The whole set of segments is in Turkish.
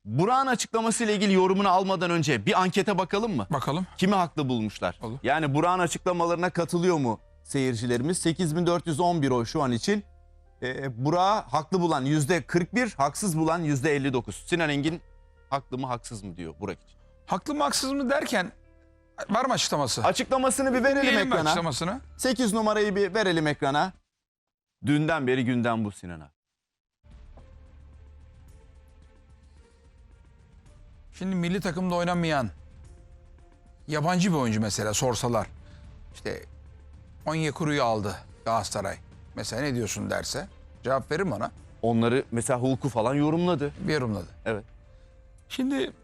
Burak'ın açıklamasıyla ilgili yorumunu almadan önce bir ankete bakalım mı? Bakalım. Kimi haklı bulmuşlar? Olur. Yani Burak'ın açıklamalarına katılıyor mu seyircilerimiz? 8411 oy şu an için. Burak'ı haklı bulan %41, haksız bulan %59. Sinan Engin haklı mı haksız mı diyor Burak için. Haklı mı haksız mı derken var mı açıklaması? Açıklamasını bir verelim Diyelim mi ekrana. açıklamasını? 8 numarayı bir verelim ekrana. Dünden beri gündem bu Sinan'a. Şimdi milli takımda oynamayan yabancı bir oyuncu mesela sorsalar. İşte Onyekuru'yu aldı Galatasaray. Mesela ne diyorsun derse cevap verir bana. Onları mesela Hulk'u falan yorumladı. Bir yorumladı. Evet. Şimdi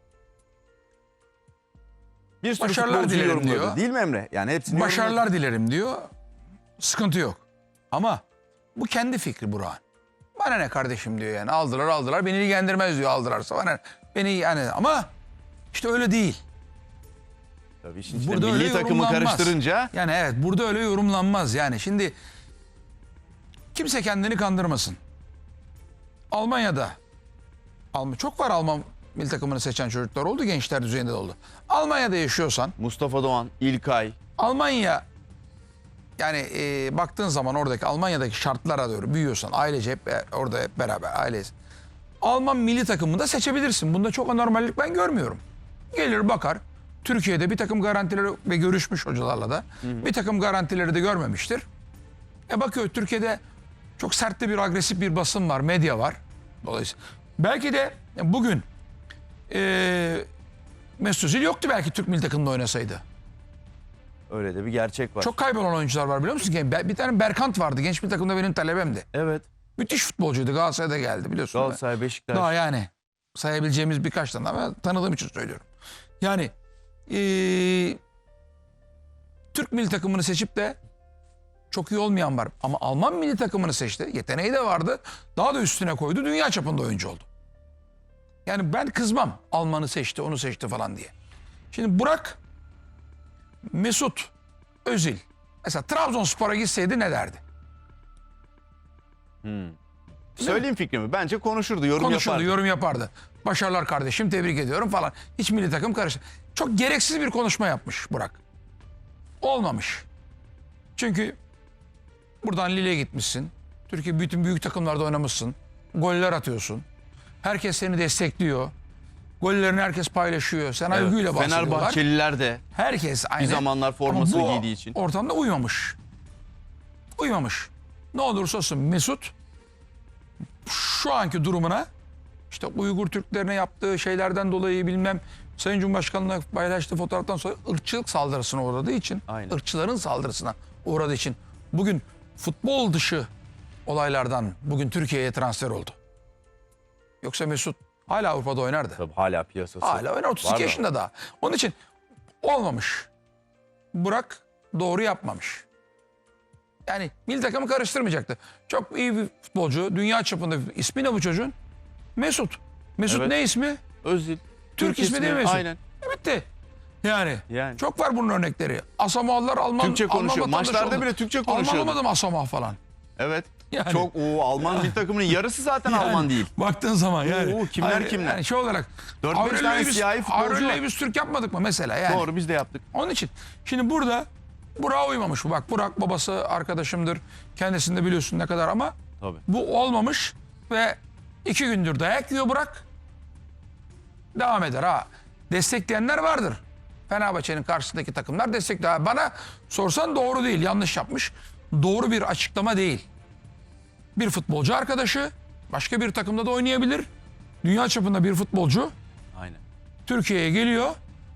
Bir sürü Başarılar futbolcu dilerim yorumladı. diyor. Değil mi Emre? Yani hepsini başarılar dilerim diyor. Sıkıntı yok. Ama bu kendi fikri Burak'ın. Bana ne kardeşim diyor yani. Aldılar. Beni ilgilendirmez diyor aldılarsa. Bana beni yani ama işte öyle değil. Tabii şimdi Burada milli öyle takımı yorumlanmaz. karıştırınca Yani evet burada öyle yorumlanmaz. Yani şimdi kimse kendini kandırmasın. Almanya'da çok var Alman milli takımını seçen çocuklar oldu. Gençler düzeyinde de oldu. Almanya'da yaşıyorsan Mustafa Doğan, İlkay, Almanya yani baktığın zaman oradaki Almanya'daki şartlara doğru büyüyorsan ailece hep orada hep beraber ailesi. Alman milli takımını da seçebilirsin. Bunda çok anormallik ben görmüyorum. Gelir bakar. Türkiye'de bir takım garantileri ve görüşmüş hocalarla da bir takım garantileri de görmemiştir. Bakıyor Türkiye'de çok sert de bir agresif bir basın var, medya var. Dolayısıyla belki de bugün Mesut Özil yoktu belki Türk milli takımında oynasaydı. öyle de bir gerçek var. Çok kaybolan oyuncular var biliyor musun? Bir tane Berkant vardı. Genç milli takımda benim talebemdi. Evet. Müthiş futbolcuydu. Galatasaray'da geldi biliyorsun. Galatasaray, Beşiktaş. Daha yani sayabileceğimiz birkaç tane ama tanıdığım için söylüyorum. Yani Türk milli takımını seçip de çok iyi olmayan var. Ama Alman milli takımını seçti. Yeteneği de vardı. Daha da üstüne koydu. Dünya çapında oyuncu oldu. Yani ben kızmam. Almanı seçti, onu seçti falan diye. Şimdi Burak, Mesut Özil. Mesela Trabzonspor'a gitseydi ne derdi? Söyleyeyim fikrimi. Bence konuşurdu, yorum Konuşurdu, yapardı. yorum yapardı. Başarılar kardeşim, tebrik ediyorum falan. Hiç milli takım karıştı. Çok gereksiz bir konuşma yapmış Burak. Olmamış. Çünkü buradan Lille'ye gitmişsin. Türkiye bütün büyük takımlarda oynamışsın. Goller atıyorsun. Herkes seni destekliyor. Gollerini herkes paylaşıyor. Sen Evet. övgüyle bahsediyorlar. Fenerbahçeliler de Herkes aynı. bir zamanlar formasını Ama bu giydiği için. ortamda uymamış. Uymamış. Ne olursa olsun Mesut şu anki durumuna işte Uygur Türklerine yaptığı şeylerden dolayı bilmem Sayın Cumhurbaşkanı'na paylaştığı fotoğraftan sonra ırkçılık saldırısına uğradığı için, Aynen. ırkçıların saldırısına uğradığı için bugün futbol dışı olaylardan bugün Türkiye'ye transfer oldu. Yoksa Mesut hala Avrupa'da oynardı. Tabii hala piyasası. Hala oynar 32 Var da. yaşında daha. Onun için olmamış. Burak doğru yapmamış. Yani milli takımı karıştırmayacaktı. Çok iyi bir futbolcu. Dünya çapında. İsmi ne bu çocuğun? Mesut. Mesut Evet. ne ismi? Özil. Türk ismi değil mi Mesut? Aynen. Bitti. Yani. Yani. Çok var bunun örnekleri. Asamoahlar Alman. Türkçe konuşuyor. Alman vatandaşı Maçlarda oldu. bile Türkçe Alman konuşuyordu. olmadı mı Asamoah falan? Evet. Yani. Çok Alman milli takımının yarısı zaten Yani Alman değil. Baktığın zaman yani. Kimler Hayır, kimler? Yani şey olarak. 4-5 tane siyahi futbolcu var. Aurelio biz Türk yapmadık mı mesela yani? Doğru, biz de yaptık. Onun için şimdi burada Burak'a uymamış bu. Bak Burak babası arkadaşımdır. Kendisini de biliyorsun ne kadar ama Tabii. bu olmamış ve 2 gündür dayak yiyor Burak. Devam eder ha. Destekleyenler vardır. Fenerbahçe'nin karşısındaki takımlar destekler. Bana sorsan doğru değil, yanlış yapmış. Doğru bir açıklama değil. Bir futbolcu arkadaşı başka bir takımda da oynayabilir. Dünya çapında bir futbolcu Aynen. Türkiye'ye geliyor.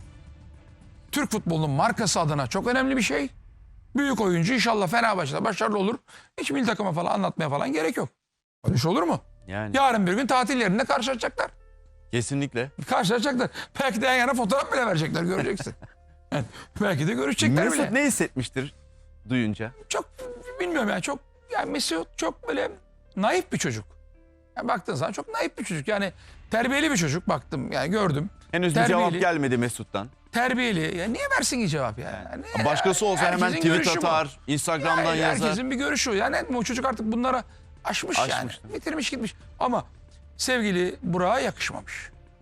Türk futbolunun markası adına çok önemli bir şey. Büyük oyuncu inşallah Fenerbahçe'de başarılı olur. Hiç milli takıma falan anlatmaya falan gerek yok. Öyle şey olur mu? Yani. Yarın bir gün tatil yerinde karşılaşacaklar. Kesinlikle. Karşılaşacaklar. Belki de yan yana fotoğraf bile verecekler göreceksin. Yani belki de görüşecekler Mesut bile. ne hissetmiştir duyunca? Çok bilmiyorum yani çok yani Mesut çok böyle naif bir çocuk. Yani baktığın zaman çok naif bir çocuk. Yani terbiyeli bir çocuk baktım yani gördüm. Henüz bir Terbiyeli. cevap gelmedi Mesut'tan. Terbiyeli. Ya niye versin ki cevap yani? Başkası olsa hemen Herkesin tweet görüşü bu. atar, Instagram'dan yazar. Herkesin bir görüşü. Yani o çocuk artık bunlara aşmış yani. Aşmış. Bitirmiş gitmiş. Ama sevgili Burak'a yakışmamış.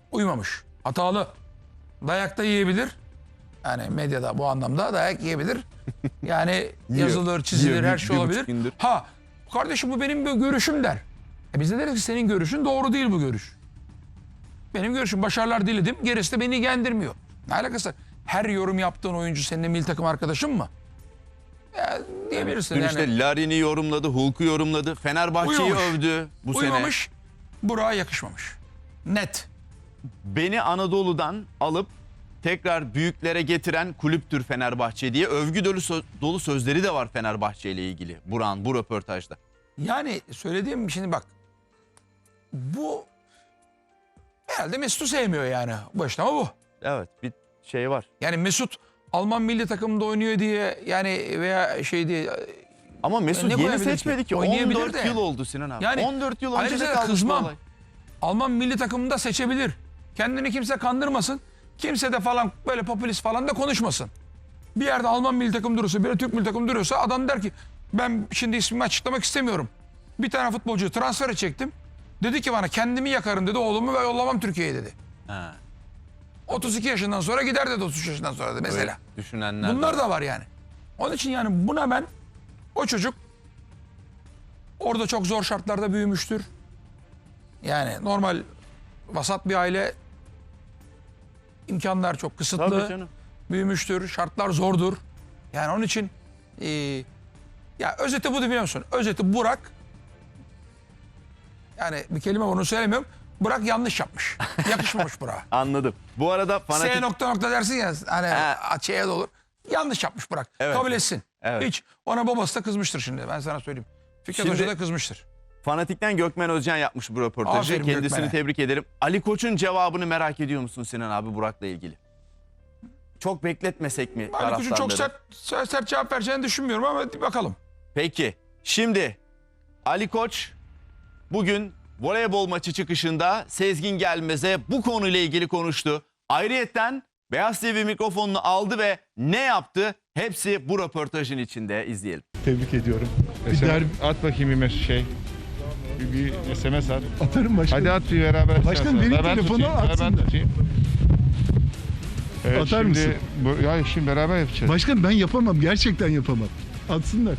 Uymamış. Hatalı. Dayak da yiyebilir. Yani medyada bu anlamda dayak yiyebilir. Yani yazılır, çizilir, Yiyor, her şey bir olabilir. buçuk gündür. Ha, kardeşim bu benim bir görüşüm der. Biz de deriz ki senin görüşün doğru değil bu görüş. Benim görüşüm, başarılar diledim. Gerisi de beni ilgilendirmiyor. Ne alakası var? Her yorum yaptığın oyuncu senin de milli takım arkadaşın mı? Ya, diyebilirsin Dün yani. işte Larin'i yorumladı, Hulk'u yorumladı. Fenerbahçe'yi Uymamış. övdü bu sene. Uymamış, Burak'a yakışmamış. Net. Beni Anadolu'dan alıp tekrar büyüklere getiren kulüptür Fenerbahçe diye övgü dolu sözleri de var Fenerbahçe ile ilgili. Burak'ın bu röportajda. Yani söylediğim şimdi bak. Bu herhalde Mesut'u sevmiyor yani. Bu işte ama bu. Evet, bir şey var. Yani Mesut Alman milli takımında oynuyor diye yani veya şey diye. Ama Mesut Ne yeni koyabilir seçmedi ki. Oynayabilir 14 de. yıl oldu Sinan abi. Yani 14 yıl önce ayrıca de da kalmış bu kızmam. olay. Alman milli takımında seçebilir. Kendini kimse kandırmasın. Kimse de falan böyle popülist falan da konuşmasın. Bir yerde Alman milli takım duruyorsa, bir Türk milli takım duruyorsa adam der ki ben şimdi ismimi açıklamak istemiyorum. Bir tane futbolcuyu transfer edecektim. Dedi ki bana kendimi yakarım dedi, oğlumu ve yollamam Türkiye'ye dedi. Ha, 32 yaşından sonra gider dedi, 33 yaşından sonra dedi mesela. öyle düşünenler Bunlar de da var yani. Onun için yani buna ben, o çocuk orada çok zor şartlarda büyümüştür. Yani normal vasat bir aile, imkanlar çok kısıtlı. Tabii canım. Büyümüştür, şartlar zordur. Yani onun için ya özeti bu biliyor musun? Özeti Burak, yani bir kelime onu söylemiyorum. Burak yanlış yapmış. Yakışmamış Burak'a. Anladım. Bu arada fanatik... S nokta nokta dersin ya hani açıya da olur. Yanlış yapmış Burak. Evet. Kabul etsin. Evet. Hiç. Ona babası da kızmıştır şimdi. Ben sana söyleyeyim. Fikret Şimdi- Hoca da kızmıştır. Fanatik'ten Gökmen Özcan yapmış bu röportajı. Aferin Kendisini Gökmen'e. tebrik ederim. Ali Koç'un cevabını merak ediyor musun Sinan abi Burak'la ilgili? Çok bekletmesek mi Ali Koç'un çok taraftarları? sert cevap vereceğini düşünmüyorum ama bakalım. Peki. Şimdi Ali Koç bugün voleybol maçı çıkışında Sezgin Gelmez'e bu konuyla ilgili konuştu. Ayrıyetten Beyaz TV mikrofonunu aldı ve ne yaptı? Hepsi bu röportajın içinde, izleyelim. Tebrik ediyorum. Bir SMS derbi at bakayım bir şey. Bir SMS at. atarım başkanım. Hadi at bir beraber. Başkan, şey benim yapalım. Ben telefonu tutayım, atsın ben da. tutayım. Evet, Atar şimdi, mısın? Ya şimdi beraber yapacağız. Başkan ben yapamam. Gerçekten yapamam. Atsınlar.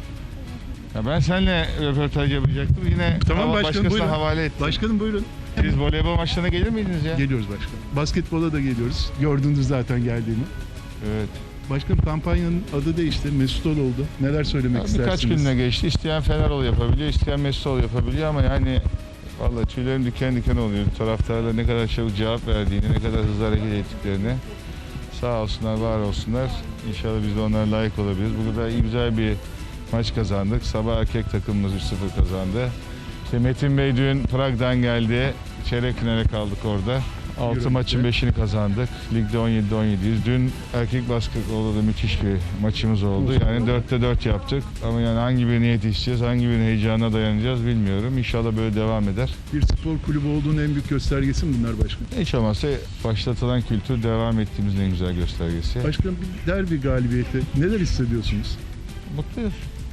Ya ben seninle röportaj yapacaktım. Yine Tamam başkanım, başkasına buyurun. havale ettim. Başkanım buyurun. Siz voleybol maçlarına gelir miydiniz ya? Geliyoruz başkanım. Basketbola da geliyoruz. Gördünüz zaten geldiğimi. Evet. Başkanım kampanyanın adı değişti. Mesut Ol oldu. Neler söylemek Ya istersiniz? birkaç gününe geçti. İsteyen Fenerol yapabiliyor, isteyen Mesutol yapabiliyor ama yani vallahi tüylerim diken diken oluyor. Taraftarlar ne kadar çabuk cevap verdiğini, ne kadar hızlı hareket ettiklerini. Sağ olsunlar, var olsunlar. İnşallah biz de onlara layık olabiliriz. Bugün da iyi, güzel bir maç kazandık. Sabah erkek takımımız 3-0 kazandı. İşte Metin Bey dün Prag'dan geldi. Çeyrek finale kaldık orada. 6 Yürü. maçın 5'ini kazandık. Ligde 17'de 17'yiz. Dün erkek basketbolda da müthiş bir maçımız oldu. Yani 4'te 4 yaptık. Ama yani hangi birine yetişeceğiz, hangi birinin heyecanına dayanacağız bilmiyorum. İnşallah böyle devam eder. Bir spor kulübü olduğunun en büyük göstergesi mi bunlar başkanım? Hiç olmazsa başlatılan kültür devam ettiğimizin en güzel göstergesi. Başkanım bir derbi galibiyeti. Neler hissediyorsunuz? Mutluyuz.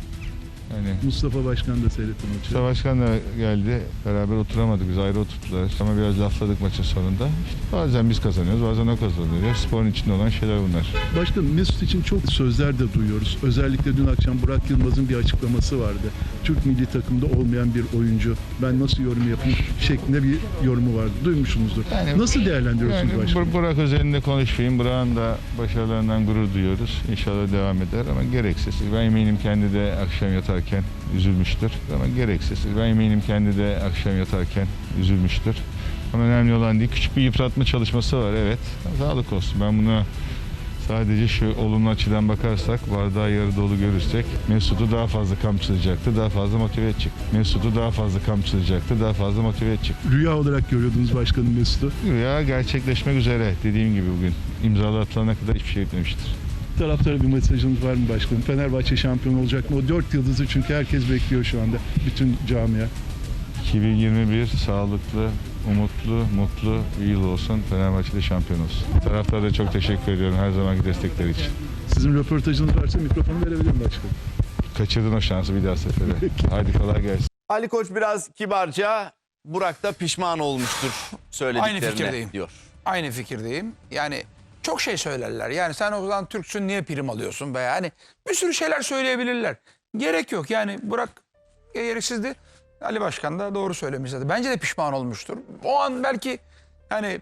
Yani Mustafa Başkan da seyretti maçı. Mustafa Başkan da geldi. Beraber oturamadık. Biz ayrı oturttular. Ama biraz lafladık maçın sonunda. İşte bazen biz kazanıyoruz, bazen o kazanıyor. Sporun içinde olan şeyler bunlar. Başkanım Mesut için çok sözler de duyuyoruz. Özellikle dün akşam Burak Yılmaz'ın bir açıklaması vardı. Türk milli takımda olmayan bir oyuncu. Ben nasıl yorum yapayım şeklinde bir yorumu vardı. Duymuşsunuzdur. Yani- nasıl değerlendiriyorsunuz Yani başkanım? Burak özelinde konuşmayayım. Burak'ın da başarılarından gurur duyuyoruz. İnşallah devam eder ama gereksiz. Ben eminim kendi de akşam yatarken üzülmüştür. Ama gereksiz. Ben eminim kendi de akşam yatarken üzülmüştür. Ama önemli olan değil. Küçük bir yıpratma çalışması var, evet. Sağlık olsun. Ben buna sadece şu olumlu açıdan bakarsak, bardağı yarı dolu görürsek Mesut'u daha fazla kamçılayacaktı, daha fazla motive edecek. Mesut'u daha fazla kamçılayacaktı, daha fazla motive edecek. Rüya olarak görüyordunuz başkanım Mesut'u. Rüya gerçekleşmek üzere. Dediğim gibi bugün imzalar atılana kadar hiçbir şey etmemiştir. Taraftara bir mesajınız var mı başkanım? Fenerbahçe şampiyon olacak mı? O 4 yıldızı çünkü herkes bekliyor şu anda. Bütün camia. 2021 sağlıklı, umutlu, mutlu bir yıl olsun. Fenerbahçe'de şampiyon olsun. Taraftara da çok teşekkür ediyorum her zamanki destekleri için. Sizin röportajınız varsa mikrofonu verebilirim başkanım. Kaçırdın o şansı bir daha sefere. Haydi kolay gelsin. Ali Koç biraz kibarca Burak da pişman olmuştur söylediklerine fikirdeyim. diyor. Aynı fikirdeyim. Yani çok şey söylerler. Yani sen o zaman Türksün niye prim alıyorsun veya hani bir sürü şeyler söyleyebilirler. Gerek yok. Yani Burak gereksizdi. Ali Başkan da doğru söylemiş zaten. Bence de pişman olmuştur. O an belki yani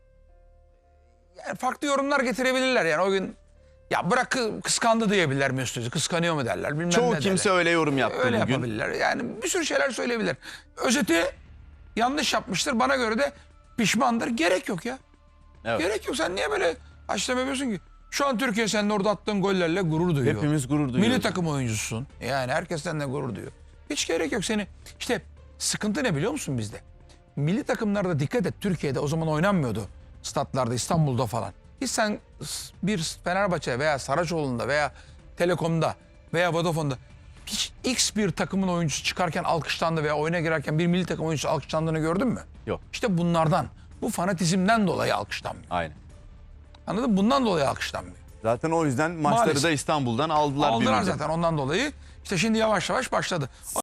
farklı yorumlar getirebilirler. Yani o gün ya Burak kıskandı diyebilirler Mesut'u. Kıskanıyor mu derler. Bilmem Çoğu ne kimse derler. öyle yorum yaptı Öyle bugün. yapabilirler. Yani bir sürü şeyler söyleyebilir. Özeti yanlış yapmıştır. Bana göre de pişmandır. Gerek yok ya. Evet. Gerek yok. Sen niye böyle açlama yapıyorsun ki? Şu an Türkiye senin orada attığın gollerle gurur duyuyor. Hepimiz gurur duyuyoruz. Milli takım oyuncusun. Yani herkes seninle gurur duyuyor. Hiç gerek yok seni. İşte sıkıntı ne biliyor musun bizde? Milli takımlarda dikkat et. Türkiye'de o zaman oynanmıyordu. Statlarda, İstanbul'da falan. Hiç sen bir Fenerbahçe veya Saraçoğlu'nda veya Telekom'da veya Vodafone'da hiç X bir takımın oyuncusu çıkarken alkışlandı veya oyuna girerken bir milli takım oyuncusu alkışlandığını gördün mü? Yok. İşte bunlardan, bu fanatizmden dolayı alkışlanmıyor. Aynen. Anladın mı? Bundan dolayı alkışlanmıyor. Zaten o yüzden maçları Maalesef. da İstanbul'dan aldılar. bir Aldılar müddet. zaten ondan dolayı. İşte şimdi yavaş yavaş başladı.